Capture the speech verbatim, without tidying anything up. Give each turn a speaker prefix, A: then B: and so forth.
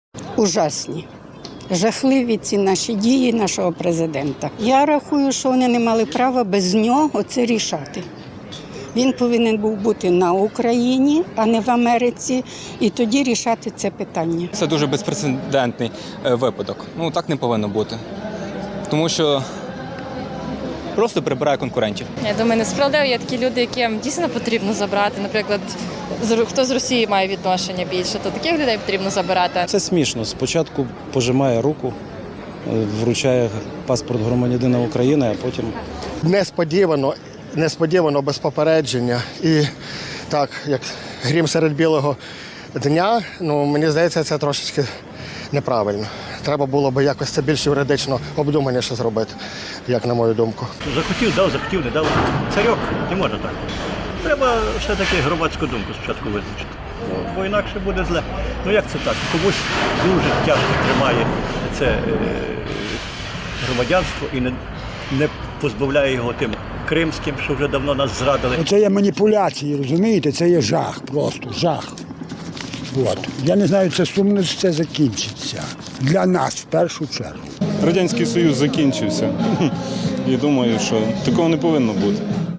A: Ужасні. Жахливі ці наші дії нашого президента. Я рахую, що вони не мали права без нього це рішати. Він повинен був бути на Україні, а не в Америці, і тоді рішати це питання.
B: Це дуже безпрецедентний випадок. Ну, так не повинно бути. Тому що просто прибирає конкурентів.
C: Я думаю, несправедливо. Є такі люди, яким дійсно потрібно забрати. Наприклад, хто з Росії має відношення більше, то таких людей потрібно забирати.
D: Це смішно. Спочатку пожимає руку, вручає паспорт громадянина України, а потім…
E: Несподівано, несподівано, без попередження. І так, як грім серед білого дня, ну, мені здається, це трошечки неправильно. Треба було б якось це більш юридично обдуманіше зробити, як на мою думку.
F: Захотів, дав, захотів, не дав. Царьок, не можна так. Треба все-таки громадську думку спочатку визначити, бо інакше буде зле. Ну як це так? Комусь дуже тяжко тримає це е, громадянство і не, не позбавляє його тим кримським, що вже давно нас зрадили.
G: Це є маніпуляції, розумієте? Це є жах, просто жах. От. Я не знаю, це сумно це закінчиться. Для нас в першу чергу.
H: Радянський Союз закінчився. І думаю, що такого не повинно бути.